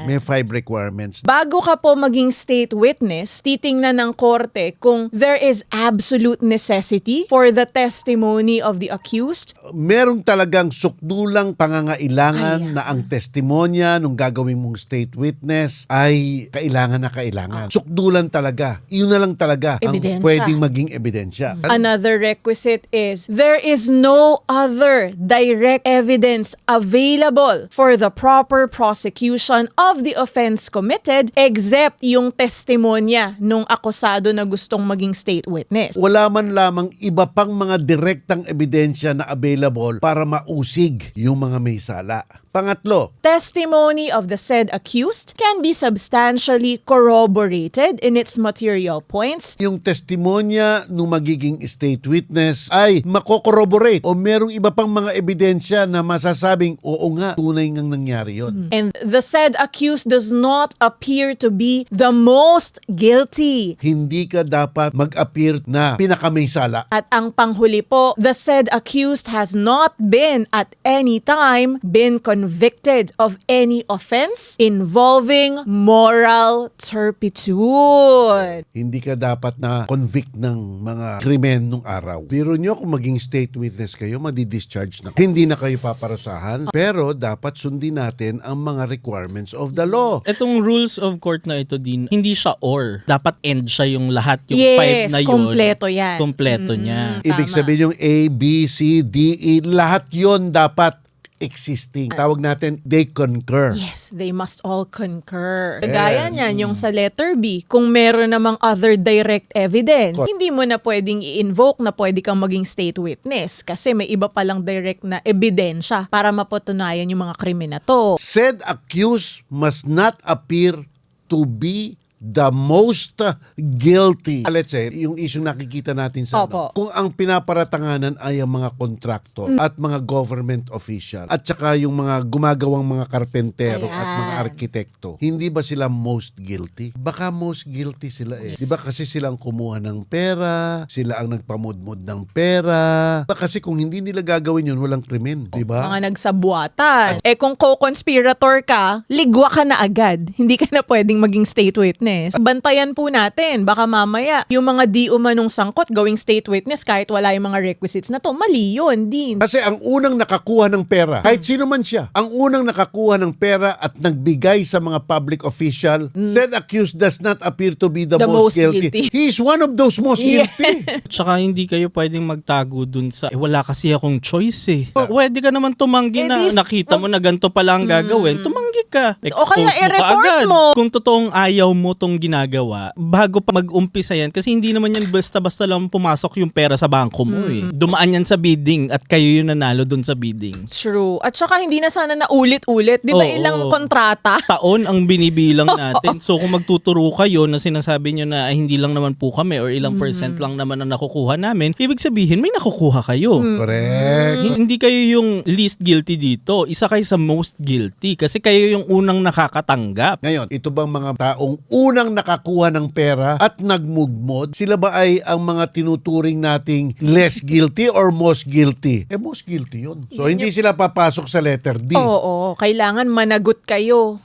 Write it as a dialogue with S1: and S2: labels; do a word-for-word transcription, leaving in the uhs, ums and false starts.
S1: May five requirements.
S2: Bago ka po maging state witness, titingnan ng korte kung there is absolute necessity for the testimony of the accused.
S1: Merong talagang sukdulang pangangailangan
S2: Ayan.
S1: na ang testimonya nung gagawin mong state witness ay kailangan na kailangan. Sukdulan talaga. Iyon na lang talaga
S2: Ebidensya.
S1: ang pwedeng maging ebidensya.
S2: Another requisite is there is no other direct evidence available for the proper prosecution of the offense committed except yung testimonya nung akusado na gustong maging state witness.
S1: Wala man lamang iba pang mga direktang ebidensya na available para mausig yung mga may sala. Pangatlo,
S2: Testimony of the said accused can be substantially corroborated in its material points.
S1: yung testimonya nung magiging state witness ay makokorroborate o merong iba pang mga ebidensya na masasabing oo nga, tunay ngang nangyari yon.
S2: And the said accused does not appear to be the most guilty.
S1: Hindi ka dapat mag-appear na pinakamay sala.
S2: At ang panghuli po, the said accused has not been at any time been convicted of any offense involving moral turpitude.
S1: Hindi ka dapat na convict ng mga krimen nung araw. Biro nyo kung maging state witness kayo, madi-discharge na. Hindi na kayo paparasahan. Pero dapat sundin natin ang mga requirements of the law.
S3: Itong rules of court na ito din, hindi siya or. Dapat end siya yung lahat, yung
S2: Yes,
S3: five na yun.
S2: kompleto yan.
S3: Kompleto niya.
S1: Ibig
S2: Tama.
S1: sabihin yung A, B, C, D, E, lahat yon dapat existing. Tawag natin, they concur.
S2: Yes, they must all concur. Gaya niyan, yung sa letter B, kung meron namang other direct evidence,
S1: Cor-
S2: hindi mo na pwedeng i-invoke na pwede kang maging state witness kasi may iba palang direct na ebidensya para mapatunayan yung mga krimen na to.
S1: Said accused must not appear to be the most guilty. Let's say, yung issue nakikita natin sa
S2: Opo.
S1: ano, kung ang pinaparatanganan ay ang mga kontraktor at mga government official at saka yung mga gumagawang mga karpentero at mga
S2: Ayan.
S1: arkitekto, hindi ba sila most guilty? Baka most guilty sila eh. Di ba kasi silang kumuha ng pera, sila ang nagpamudmud ng pera. Diba kasi kung hindi nila gagawin yun, walang krimen. Di ba?
S2: Mga nagsabuatan. Eh kung co-conspirator ka, ligwa ka na agad. Hindi ka na pwedeng maging state witness. Bantayan po natin. Baka mamaya, yung mga di umanong sangkot gawing state witness kahit wala yung mga requisites na to, mali yun din.
S1: Kasi ang unang nakakuha ng pera, kahit sino man siya, ang unang nakakuha ng pera at nagbigay sa mga public official, said accused does not appear to be the,
S2: The
S1: most,
S2: most
S1: guilty.
S2: guilty.
S1: He is one of those most
S2: Yeah.
S1: guilty.
S3: Tsaka hindi kayo pwedeng magtago dun sa, eh, wala kasi akong choice eh. Pwede ka naman tumanggi
S2: Eh,
S3: na
S2: dis-
S3: nakita mo na ganito pala ang gagawin. Tumanggi ka.
S2: O kaya
S3: Expose mo
S2: i-report
S3: kaagad.
S2: mo.
S3: Kung totoong ayaw mo tong ginagawa, bago pa mag-umpisa yan, kasi hindi naman yan basta-basta lang pumasok yung pera sa bangko mo eh. Dumaan yan sa bidding at kayo yung nanalo dun sa bidding.
S2: True. At saka hindi na sana na ulit-ulit. Di ba
S3: Oo.
S2: ilang kontrata?
S3: Taon ang binibilang natin. So kung magtuturo kayo na sinasabi nyo na "Ay, hindi lang naman po kami or ilang percent lang naman ang nakukuha namin, ibig sabihin may nakukuha kayo.
S1: Correct.
S3: H- Hindi kayo yung least guilty dito. Isa kayo sa most guilty kasi kayo yung unang nakakatanggap.
S1: Ngayon, ito bang mga taong unang nakakuha ng pera at nagmugmod, sila ba ay ang mga tinuturing nating less guilty or most guilty? Eh, most guilty yun. So, hindi sila papasok sa letter D.
S2: Oo, kailangan managot kayo.